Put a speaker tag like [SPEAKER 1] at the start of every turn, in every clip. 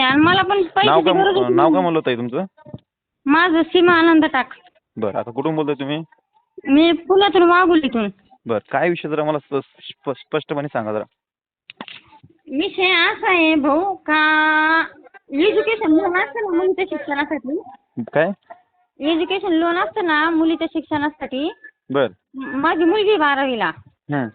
[SPEAKER 1] आणि मला पण
[SPEAKER 2] नाव
[SPEAKER 1] पैशाची
[SPEAKER 2] काय
[SPEAKER 1] गरज होती.
[SPEAKER 2] नाव काय म्हणलं ताई तुमचं?
[SPEAKER 1] माझं सीमा आनंद टाक.
[SPEAKER 2] बरं, आता कुठून बोलताय तुम्ही?
[SPEAKER 1] मी पुण्यातून वाघोलीतून.
[SPEAKER 2] बरं, काय विषय जरा मला स्पष्टपणे सांगा जरा.
[SPEAKER 1] विषय असा आहे भाऊ का एज्युकेशन लोन असतं ना मुलीच्या शिक्षणासाठी.
[SPEAKER 2] काय?
[SPEAKER 1] एज्युकेशन लोन असतं ना मुलीच्या शिक्षणासाठी.
[SPEAKER 2] बर.
[SPEAKER 1] माझी मुलगी 12वीला.
[SPEAKER 2] हं.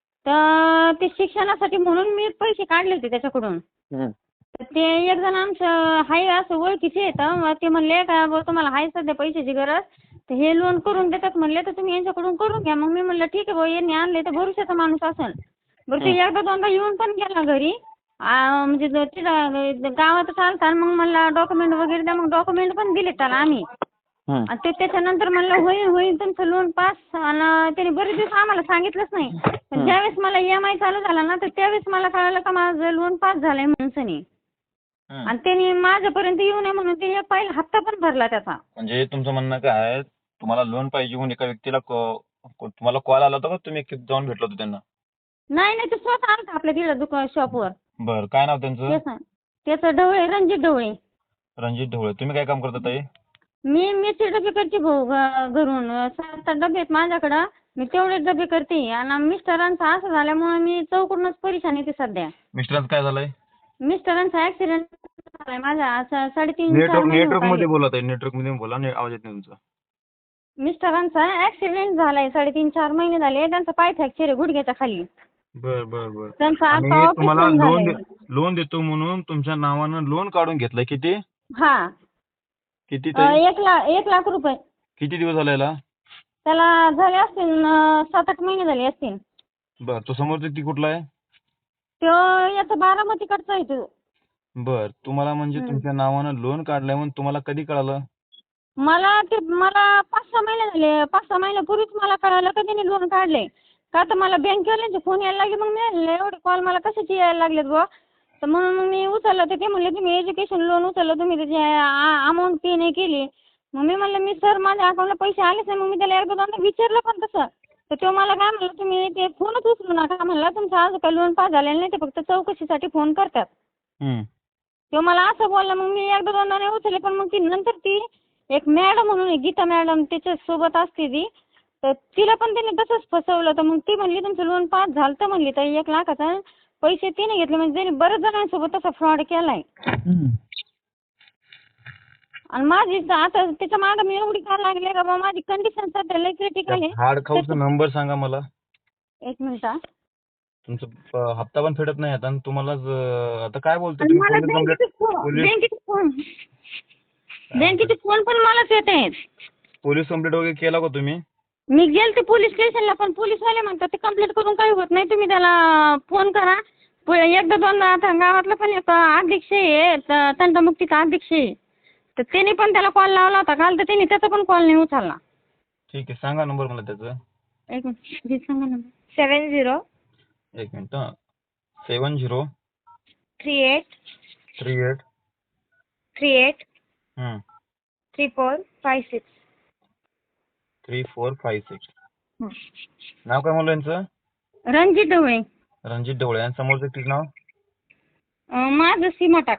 [SPEAKER 1] तर ते शिक्षणासाठी म्हणून मी पैसे काढले होते त्याच्याकडून.
[SPEAKER 2] हं.
[SPEAKER 1] तर ते एक जण आमचं हाय असं ओळखीचे आहेत. मग ते म्हणले का बुवा तुम्हाला हाय सध्या पैशाची गरज, तर हे लोन करून देतात म्हणले, तर तुम्ही यांच्याकडून करून घ्या. मग मी म्हणलं ठीक आहे बुवा, यांनी आणले तर भरोशाचा माणूस असेल. बरं ते एकदा दोनदा येऊन पण गेला घरी. म्हणजे तिथं गावातच आलता. मग मला डॉक्युमेंट वगैरे द्या. मग डॉक्युमेंट पण दिले त्याला आम्ही.
[SPEAKER 2] हं.
[SPEAKER 1] आणि ते त्याच्यानंतर म्हणलं होईल तुमचं लोन पास. आणि त्याने बरेच दिवस आम्हाला सांगितलंच नाही. पण ज्यावेळेस मला EMI चालू झाला ना, तर त्यावेळेस मला कळालं का माझं लोन पास झालंय म्हणून सनी. आणि त्यांनी माझ्यापर्यंत येऊ नये म्हणून ते पहिला हप्ता पण भरला त्याचा.
[SPEAKER 2] म्हणजे तुमचं म्हणणं काय आहे, तुम्हाला लोन पाहिजे म्हणून एका व्यक्तीला तुम्हाला कॉल आला होता का तुम्ही जाऊन भेटलो होतो त्यांना?
[SPEAKER 1] नाही ते स्वतः आलता आपल्या तिथं दुकान शॉपवर.
[SPEAKER 2] बरं, काय नाव त्यांचं?
[SPEAKER 1] त्याचं ढवळे, रणजित ढवळे.
[SPEAKER 2] रणजित ढवळे. तुम्ही काय काम करता ताई?
[SPEAKER 1] मी मिरची डबे करते भाऊ घरून. 7 डबे आहेत माझ्याकडं. मी तेवढे डबे करते. आणि मिस्टरांचं असं झाल्यामुळे मी चौकडूनच परेशान येते सध्या.
[SPEAKER 2] मिस्टरांचं काय झालंय?
[SPEAKER 1] मिस्टरांचा ऍक्सिडेंट झालाय माझा. असं 3.5-4 महिने
[SPEAKER 2] नेटवर्क
[SPEAKER 1] होत
[SPEAKER 2] मध्ये
[SPEAKER 1] आले.
[SPEAKER 2] बोला ताई, नेटवर्क मध्ये बोला. आवाज येत नाही तुमचा.
[SPEAKER 1] मिस्टरांचा ऍक्सिडेंट झालाय. 3.5-4 महिने झाले. त्यांचा पाय फ्रॅक्चर आहे गुडघ्याच्या खाली.
[SPEAKER 2] बर.
[SPEAKER 1] त्यांचं
[SPEAKER 2] आणि
[SPEAKER 1] आता
[SPEAKER 2] तुम्हाला
[SPEAKER 1] ऑपरेशन झालंय.
[SPEAKER 2] लोन देतो म्हणून तुमच्या नावानं लोन काढून घेतलंय. किती
[SPEAKER 1] हा.
[SPEAKER 2] किती ताई?
[SPEAKER 1] 1 लाख रुपये.
[SPEAKER 2] किती दिवस झाले याला?
[SPEAKER 1] त्याला झाले असतील 7-8 महिने झाले असतील.
[SPEAKER 2] बर, तो समोरचा व्यक्ती कुठला आहे?
[SPEAKER 1] तो याचा बारामतीकडचा आहे तो.
[SPEAKER 2] बर, तुम्हाला म्हणजे तुमच्या नावानं लोन काढलंय म्हणून तुम्हाला कधी कळालं?
[SPEAKER 1] मला 5-6 महिने झाले. 5-6 महिन्यापूर्वीच मला कळालं का त्याने लोन काढले. का तर मला बँकेवाल्यांचे फोन यायला लागले. मग मी म्हणले एवढे कॉल मला कशाचे यायला लागलेत बुवा. तर म्हणून मग मी उचललं. तर ते म्हणले तुम्ही एज्युकेशन लोन उचललं, तुम्ही त्याची अमाऊंट पे नाही केली. मग मी म्हणलं मी सर माझ्या अकाउंटला पैसे आलेच नाही. मग मी त्याला एकदा दोनदा विचारलं पण तसं. तर तो मला काय म्हणलं तुम्ही ते फोनच उचलू नका म्हणला. तुमचं आज काही लोन पास झालेलं नाही, ते फक्त चौकशीसाठी फोन करतात. तो मला असं बोलला. मग मी एकदा दोनदा नाही उचलले. पण मग ती नंतर ती एक मॅडम म्हणून आहे, गीता मॅडम, त्याच्यासोबत असते ती. तर तिला पण त्याने तसंच फसवलं. तर मग ती म्हणली तुमचं लोन पास झालं तर म्हणली तर 1 लाखाचा पैसे तिने घेतले. म्हणजे त्याने बऱ्याच जणांसोबत तसा फ्रॉड केलाय. आणि माझी आता त्याच्या मागं मी एवढी का लागले का बाबा माझी कंडिशन सध्या लई क्रिटिकल आहे.
[SPEAKER 2] हार्ड खाऊचा नंबर सांगा मला.
[SPEAKER 1] 1 मिनिट हा.
[SPEAKER 2] तुमचं हप्ता पण फेडत नाही आता आणि तुम्हाला आता काय बोलतोय
[SPEAKER 1] आणि
[SPEAKER 2] तुम्ही?
[SPEAKER 1] मला बँकेचे फोन पण मलाच येत आहेत.
[SPEAKER 2] पोलीस कंप्लेंट वगैरे केला का तुम्ही?
[SPEAKER 1] मी गेलते पोलीस स्टेशनला, पण पोलीसवाले म्हणतात ते कंप्लेंट करून काही होत नाही, तुम्ही त्याला फोन करा. एकदा दोनदा आता गावातला पण एक अध्यक्ष आहे, तंटमुक्तीचा अध्यक्ष आहे. तर त्याने पण त्याला कॉल लावला होता काल, तर त्याने त्याचा पण कॉल नाही उचलला.
[SPEAKER 2] ठीक आहे, सांगा नंबर मला त्याचा.
[SPEAKER 1] 1 मिनिट सांगा नंबर. 70
[SPEAKER 2] 1 मिनिट. 70
[SPEAKER 1] 38
[SPEAKER 2] 38
[SPEAKER 1] 38
[SPEAKER 2] हं
[SPEAKER 1] 3456.
[SPEAKER 2] 3456. नाव काय म्हणलं यांचं?
[SPEAKER 1] रणजित ढवळे.
[SPEAKER 2] रणजित ढवळे. आणि समोरचं व्यक्तीचं नाव?
[SPEAKER 1] माझं सीमा टाक.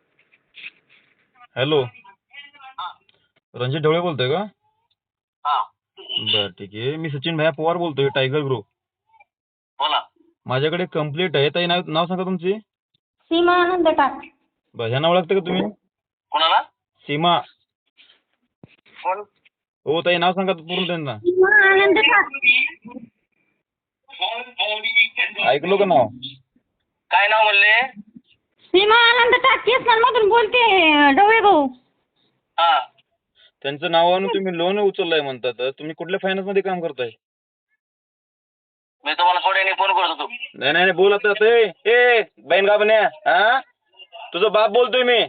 [SPEAKER 2] हॅलो, रणजित ढवळे बोलतोय का? बर, ठीक आहे. मी सचिन भैया पवार बोलतोय, टायगर ग्रुप.
[SPEAKER 3] बोला.
[SPEAKER 2] माझ्याकडे कंप्लीट आहे. ताई नाव सांगा तुमची.
[SPEAKER 1] सीमा आनंद टाक.
[SPEAKER 2] बर, ह्या नाव लागतं का तुम्ही?
[SPEAKER 3] कोणाला?
[SPEAKER 2] सीमा.
[SPEAKER 3] कोण?
[SPEAKER 2] हो ताई, नाव सांगा पूर्ण त्यांना.
[SPEAKER 1] सीमा आनंद टाक.
[SPEAKER 2] ऐकलो का नाव?
[SPEAKER 3] काय नाव म्हणले?
[SPEAKER 1] सीमा आनंद टाक. मधून बोलते ढवळे भाऊ.
[SPEAKER 3] हा.
[SPEAKER 2] त्यांचं नावानं तुम्ही लोन उचललंय म्हणतात. तुम्ही कुठल्या फायनान्स मध्ये काम करताय?
[SPEAKER 3] मी तुम्हाला थोड्याने फोन करतो तू.
[SPEAKER 2] नाही, बोल आता. ए बहीण का बन्या, हा तुझा बाप बोलतोय मी.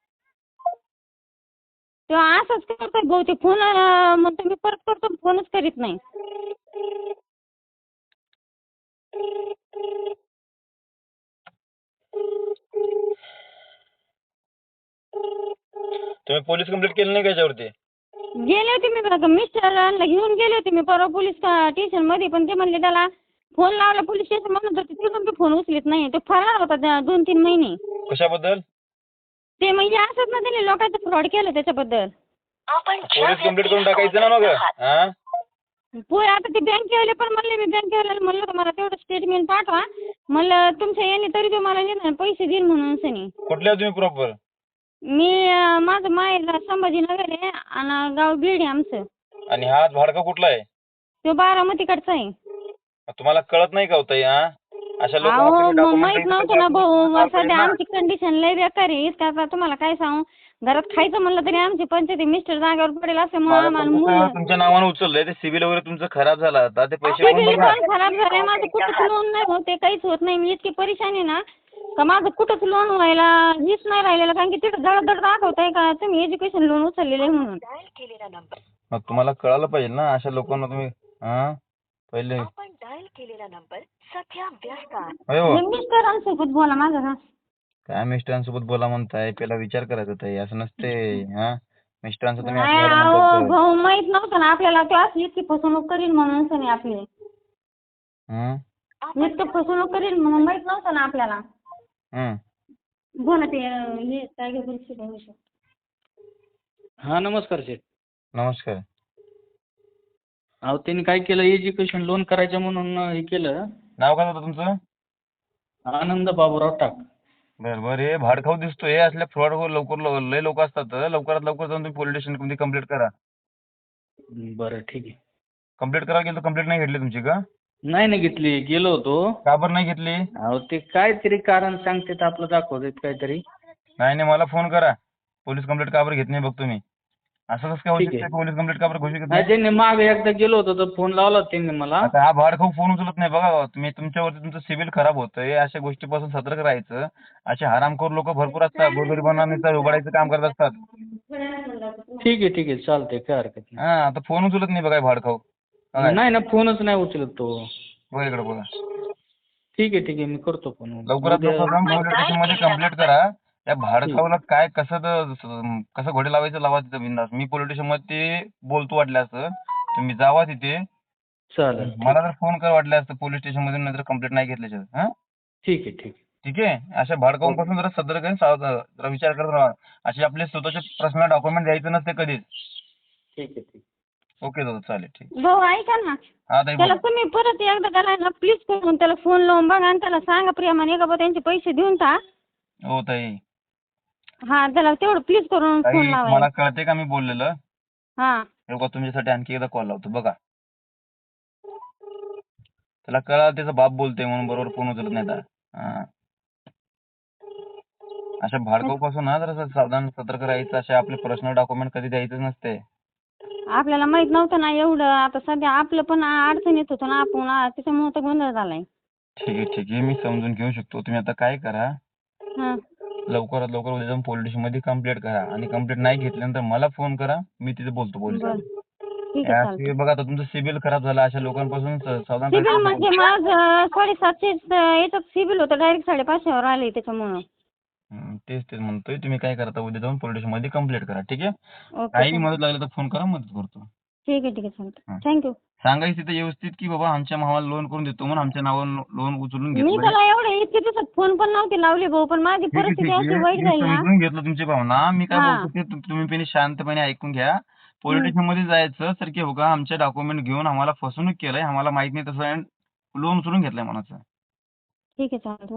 [SPEAKER 1] तो असंच करतोय भाऊ. ते फोन म्हणतो मी परत करतो, फोनच करीत नाही.
[SPEAKER 2] तुम्ही पोलीस कंप्लेंट केली नाही का याच्यावरती?
[SPEAKER 1] गेले होते मी मिस्टरांना घेऊन गेले होते मी परवा पोलीस स्टेशन मध्ये, पण ते म्हणले त्याला फोन लावला पोलीस स्टेशन म्हणून, तर तिथून फोन उचलत नाही. तो फरार होता 2-3 महिने.
[SPEAKER 2] कशाबद्दल?
[SPEAKER 1] ते म्हणजे असंच ना त्यांनी लोकांचं फ्रॉड केलं त्याच्याबद्दल.
[SPEAKER 2] पोलीस कंप्लेंट करून टाकायचं ना मग हा.
[SPEAKER 1] आता ते बँकेवाले पण म्हणले, मी बँकेवाल्याला म्हणलं तर मला तेवढं स्टेटमेंट पाठवा. म्हणलं तुमच्या याने तरी तो मला निदान पैसे देईन म्हणून सनी.
[SPEAKER 2] कुठले आहे तुम्ही प्रॉपर?
[SPEAKER 1] मी माझं माहेर संभाजीनगर आहे आणि गाव बीड आहे आमचं.
[SPEAKER 2] आणि हा भाडका कुठला आहे?
[SPEAKER 1] तो बारामतीकडचा आहे.
[SPEAKER 2] तुम्हाला कळत नाही का हो ताई हा? अशा
[SPEAKER 1] अहो
[SPEAKER 2] लोकांना
[SPEAKER 1] मग माहित नव्हतं ना भाऊ, सध्या आमची कंडिशन लय बेकार आहे. इतकं आता तुम्हाला काय सांगू, घरात खायचं म्हणलं तरी आमची पंचायती मिस्टर जागेवर पडेल असल्यामुळे आम्हाला मुलं.
[SPEAKER 2] तुमच्या नावानं उचललंय ते सिबिल वगैरे तुमचं खराब झालं आता ते पैसे कोण
[SPEAKER 1] सिबिल
[SPEAKER 2] भरणार?
[SPEAKER 1] पण खराब झालंय माझं, कुठंच लोन नाही होत, ते काहीच होत नाही. मी इतकी परेशान आहे ना का माझं कुठंच लोन व्हायला हीच नाही राहिलेलं. कारण की तिथं जळदड दाखवताय का तुम्ही एज्युकेशन लोन उचललेलं आहे म्हणून.
[SPEAKER 2] मग तुम्हाला कळालं पाहिजे ना अशा लोकांना तुम्ही हा पहिले. अयो
[SPEAKER 1] हे मिस्टरांसोबत बोला माझं का.
[SPEAKER 2] काय मिस्टरांसोबत बोला म्हणताय? पहिला विचार करायचा ताई, असं नसते हा. मिस्टरांचं तुम्ही
[SPEAKER 1] नाही
[SPEAKER 2] असं
[SPEAKER 1] अहो
[SPEAKER 2] म्हणताय.
[SPEAKER 1] भाऊ, माहित नव्हतं ना आपल्याला तो असली इतकी फसवणूक करीन म्हणून सनी आपली. इतकं फसवणूक करीन म्हणून माहित नव्हतं ना आपल्याला. बोला ते हे काय गं परिस्थिती आहे विषय.
[SPEAKER 4] हा नमस्कार शेठ.
[SPEAKER 2] नमस्कार.
[SPEAKER 4] अहो त्यांनी काय केलं, एज्युकेशन लोन करायचं म्हणून हे केलं.
[SPEAKER 2] नाव काय होतं तुमचं?
[SPEAKER 4] आनंद बाबूराव टाक.
[SPEAKER 2] बरं बरं. हे भाडखाऊ दिसतोय, असल्या फ्रॉड लवकर लय लोक असतात. लवकरात लवकर जाऊन तुम्ही पोलीस स्टेशन मध्ये कंप्लेंट करा.
[SPEAKER 4] बरं ठीक आहे.
[SPEAKER 2] कंप्लेंट करायला गेलं तर कंप्लेंट नाही घेतली तुमची का?
[SPEAKER 4] नाही घेतली, गेलो होतो.
[SPEAKER 2] का बरं नाही घेतली?
[SPEAKER 4] अहो ते काहीतरी कारण सांगतात, आपलं दाखवतात काहीतरी.
[SPEAKER 2] नाही मला फोन करा. पोलीस कंप्लेंट का बरं घेत नाही बघतो मी. असं कसं काय होऊ
[SPEAKER 4] ठीक आहे.
[SPEAKER 2] शकतं? पोलीस कंप्लेंट का बरं घेऊ शकत
[SPEAKER 4] नाही
[SPEAKER 2] नाही?
[SPEAKER 4] त्यांनी मागे एकदा गेलो होतो तर फोन लावला त्यांनी मला.
[SPEAKER 2] आता हा भाडखाऊ फोन उचलत नाही बघा. तुम्ही तुमच्यावरती तुमचं सिबिल खराब होतंय. अशा गोष्टीपासून सतर्क राहायचं. असे हरामखोर लोक भरपूर असतात. गोरगरिबांना नुसतं उघडायचं काम करत असतात.
[SPEAKER 4] ठीक आहे चालतंय, काय हरकत नाही.
[SPEAKER 2] हा आता फोन उचलत नाही बघा हे भाडखाऊ.
[SPEAKER 4] नाही ना, फोनच नाही उचलत तो.
[SPEAKER 2] बघा इकडे बघा.
[SPEAKER 4] ठीक आहे मी करतो फोन.
[SPEAKER 2] लवकरात लवकर जाऊन पोलीस स्टेशन मध्ये कंप्लेंट करा. त्या भाडखाऊला काय कसं घोडे लावायचं लावा तिथं बिंदास. मी पोलीस स्टेशन मध्ये बोलतो वाटलं असं. तुम्ही जावा तिथे.
[SPEAKER 4] चालेल.
[SPEAKER 2] मला जर फोन कर वाटलं असतं पोलीस स्टेशन मध्ये, नंतर कंप्लेंट नाही घेतल्याशिवाय. हा
[SPEAKER 4] ठीक आहे.
[SPEAKER 2] ठीक आहे. अशा भाडकाऊंपासून जरा सतर्क आहे, जरा विचार करत राहा. असे आपले स्वतःचे पर्सनल डॉक्युमेंट द्यायचं नसते कधीच.
[SPEAKER 4] ठीक आहे.
[SPEAKER 2] ओके दादा चालेल ठीक.
[SPEAKER 1] भाऊ ऐका ना,
[SPEAKER 2] हा ताई
[SPEAKER 1] त्याला
[SPEAKER 2] बोला.
[SPEAKER 1] तुम्ही परत एकदा त्याला ना प्लीज करून त्याला फोन लावून बघा आणि त्याला सांगा प्रेमाने का बा त्यांचे पैसे देऊन टाक.
[SPEAKER 2] हो ताई.
[SPEAKER 1] हा त्याला तेवढं प्लीज करून
[SPEAKER 2] ताई
[SPEAKER 1] फोन लावायला.
[SPEAKER 2] मला कळते का मी बोललेलं.
[SPEAKER 1] हा
[SPEAKER 2] हे बघा तुमच्यासाठी आणखी एकदा कॉल लावतो बघा. त्याला कळालं त्याचा बाप बोलतोय म्हणून बरोबर फोन उचलत नाही आता. हा. अशा भाडकाऊपासून ना जरा सावधान सतर्क राहायचं. असे आपले पर्सनल डॉक्युमेंट कधी द्यायचंच नसते.
[SPEAKER 1] आपल्याला माहित नव्हतं ना एवढं. आता सध्या आपलं पण अडचण येत होतं ना आपण त्याच्यामुळे तर गोंधळ झालाय.
[SPEAKER 2] ठीक आहे मी समजून घेऊ शकतो. तुम्ही आता काय करा,
[SPEAKER 1] हा
[SPEAKER 2] लवकरात लवकर उद्या जाऊन पोलीस स्टेशन मध्ये कंप्लेंट करा. आणि कंप्लेंट नाही घेतल्यानंतर मला फोन करा, मी तिथे बोलतो पोलीस.
[SPEAKER 1] बरं ठीक आहे चालतंय.
[SPEAKER 2] बघा आता तुमचं सिबिल खराब झाला. अशा लोकांपासून सावधान
[SPEAKER 1] सिबिल
[SPEAKER 2] राहायचं.
[SPEAKER 1] म्हणजे माझं 750 याच्यात सिबिल होतं, डायरेक्ट 550वर आले त्याच्यामुळं.
[SPEAKER 2] तेच म्हणतोय. तुम्ही काय करता, उद्या जाऊन पोलीस स्टेशन मध्ये कंप्लेंट करा. ठीक आहे.
[SPEAKER 1] ओके
[SPEAKER 2] काही मदत लागली तर फोन करा, मदत करतो.
[SPEAKER 1] ठीक आहे चालतंय. थँक्यू.
[SPEAKER 2] सांगायचं तिथे व्यवस्थित की बाबा आमच्या भावाला लोन करून देतो म्हणून आमच्या नावावर लोन उचलून
[SPEAKER 1] मी
[SPEAKER 2] घेतलं.
[SPEAKER 1] त्याला एवढे इतके दिवसात फोन पण नव्हते लावले भाऊ, पण माझी परिस्थिती अशी वाईट झाली ना.
[SPEAKER 2] समजून घेतलं तुमची भावना. मी काय
[SPEAKER 1] हा.
[SPEAKER 2] बोलतो ते तुम्ही पहिले शांतपणे ऐकून घ्या. पोलीस स्टेशन मध्ये जायचं सर की हो का आमचे डॉक्युमेंट घेऊन आम्हाला फसवणूक केलंय, आम्हाला माहित नाही तसं लोन उचलून घेतलंय म्हणायचं.
[SPEAKER 1] ठीक आहे चालतंय.